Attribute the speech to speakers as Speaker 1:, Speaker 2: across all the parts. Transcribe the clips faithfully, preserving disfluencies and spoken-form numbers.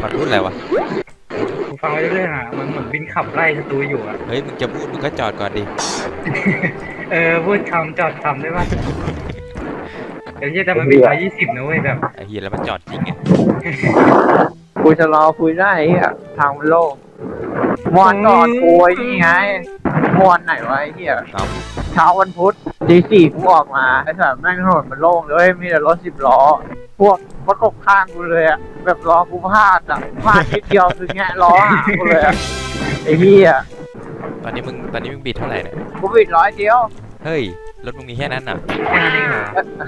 Speaker 1: มันพูดอะไรวะ
Speaker 2: กูฟังไปเรื่อยๆอ่ะมันเหมือนบินขับไล่ศัตรูอยู่อ่ะ
Speaker 1: เฮ้ยมึงจะพูดมึงก็จอดก่อนดิ
Speaker 2: เออพูดคำจอดคำได้ปะเดี๋ยวจะแต่มันบินร้อยยี่สิบนะเว้ยแบบ
Speaker 1: ไอ้เหี้ยแล้วมันจอดจริงไง
Speaker 3: กูจะรอคุยได้ไอ้เหี้ยทางมันโล่งมวนก่อนกูไอ้นี่ไงมวนไหนวะไอ้เหี้ย
Speaker 1: เอา
Speaker 3: เช้าวันพุธตีสี่กูออกมาไอ้สัตว์แม่งถนนมันโล่งเลยมีแต่รถสิบล้อพวกประกบข้างกูเลยอะแบบล้อกูพลาดอะพลาดนิดเดียวคือแงะล้อหากูเลยอะไอ้เหี้ย
Speaker 1: ตอนนี้มึงตอนนี้มึงบิดเท่าไหร่เนี่ย
Speaker 3: กูบิดร้อยเดียว
Speaker 1: เฮ้ยรถมึงมีแค่นั้นน่ะ
Speaker 2: แค่นั้นเองเหรอ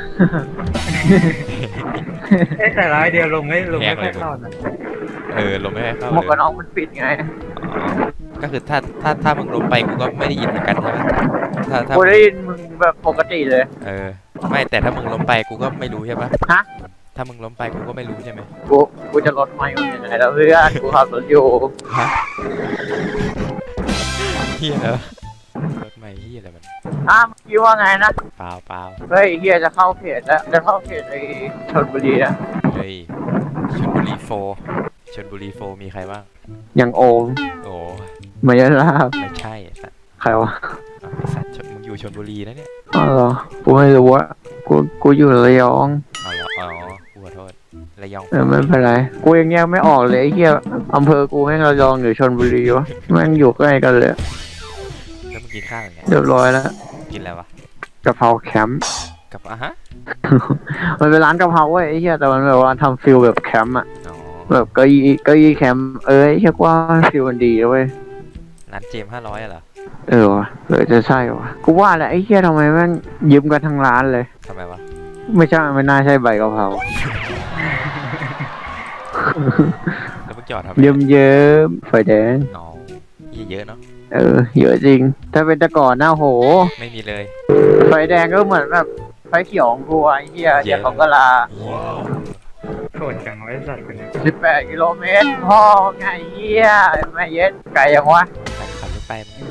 Speaker 2: เอ้แต่ร้อยเดียวลงไม่ลงไม่ค่อยเข้านะ
Speaker 1: เออลมไม่ค่อยเข้า
Speaker 3: หมวก
Speaker 1: เล
Speaker 3: กัน
Speaker 1: ย
Speaker 3: น็อกมันปิดไง
Speaker 1: อ๋อก็คือถ้าถ้าถ้ามึงล้มไปกูก็ไม่ได้ยินเหมือนกันใช่ไหมถ้าถ้า
Speaker 3: กูได้ยินมึงแบบปกติเลย
Speaker 1: เออไม่แต่ถ้ามึงล้มไปกูก็ไม่รู้ใช่ปะ
Speaker 3: ฮะ
Speaker 1: ถ้ามึงล้มไปกูก็ไม่รู้ใช่ไหม
Speaker 3: กูกูจะลดไม่มึงยังไงแล้วเพื่อนกูขับรถอยู่
Speaker 1: ฮะเฮียเหรอรถใหม่เฮียอะไรมัน
Speaker 3: อ้าวเมื่อกี้ว่าไงนะ
Speaker 1: เปล่าเปล่า
Speaker 3: เฮ้ยเฮียจะเข้าเขตแล้วจะเข้าเขตไอ้ชลบุรีนะ
Speaker 1: เฮ้ยชลบุรีโฟร์ชลบุรีโฟร์มีใครบ้าง
Speaker 3: อย่างโอม
Speaker 1: โอ้
Speaker 3: มายาลาบ
Speaker 1: ไม่ใช่ไอ้สัตว์
Speaker 3: ใครวะ
Speaker 1: อ้าวไอ้สัตว์ชลมึงอยู่ชลบุรีนะเนี่ย
Speaker 3: อ๋อเหรอกูไม่รู้ว่ากูกูอยู่ระยอง
Speaker 1: อ๋อเหรออ๋อกูขอโทษระยอง
Speaker 3: เออไม่เป็นไรกูยังแยกไม่ออกเลยไอ้เฮียอำเภอกูแม่งระยองหรือชลบุรีวะแม่งอยู่ใกล้กันเลย
Speaker 1: แล้วมึงกินข้าวยังไง
Speaker 3: เรียบร้อยแล้ว
Speaker 1: กินอะไรวะ
Speaker 3: กะเพราแคมป์
Speaker 1: กับอ่ะฮะ
Speaker 3: มันเป็นร้านกะเพราเว้ยไอ้เฮียแต่มันแบบว่าทำฟิลแบบแคมป์อะ
Speaker 1: อ๋อ
Speaker 3: แบบเก้าอี้เก้าอี้แคมป์เออไอ้เฮียกว่าฟิลมันดีนะเว้ย
Speaker 1: ร้านเจมห้าร้อยเหรอ
Speaker 3: เออวะหรือจะใช่วะกูว่าแหละไอ้เฮียทำไมแม่งยืมกันทั้งร้านเลย
Speaker 1: ทำไมวะ
Speaker 3: ไม่ใช่ไม่น่าใช่ใบกะเพรา
Speaker 1: แล้วมึงจอดทำไม
Speaker 3: เยิ้มเยิ้มไฟแดง
Speaker 1: อ๋อเหี้ยเยอะเนาะ
Speaker 3: เออเยอะจริง ถ้าเป็นแต่ก่อนหน้าโห
Speaker 1: ไม่มีเลย
Speaker 3: ไฟแดงก็เหมือนแบบไฟเขียวของกูไอ้เฮียเฮียของกะลา
Speaker 2: โคตรจังไว้สัตว์คนนี้
Speaker 3: สิบแปดกิโลเมตรพ่อไงเฮียไม่เย็ดไกลยังวะ
Speaker 1: ขับรถไปมึง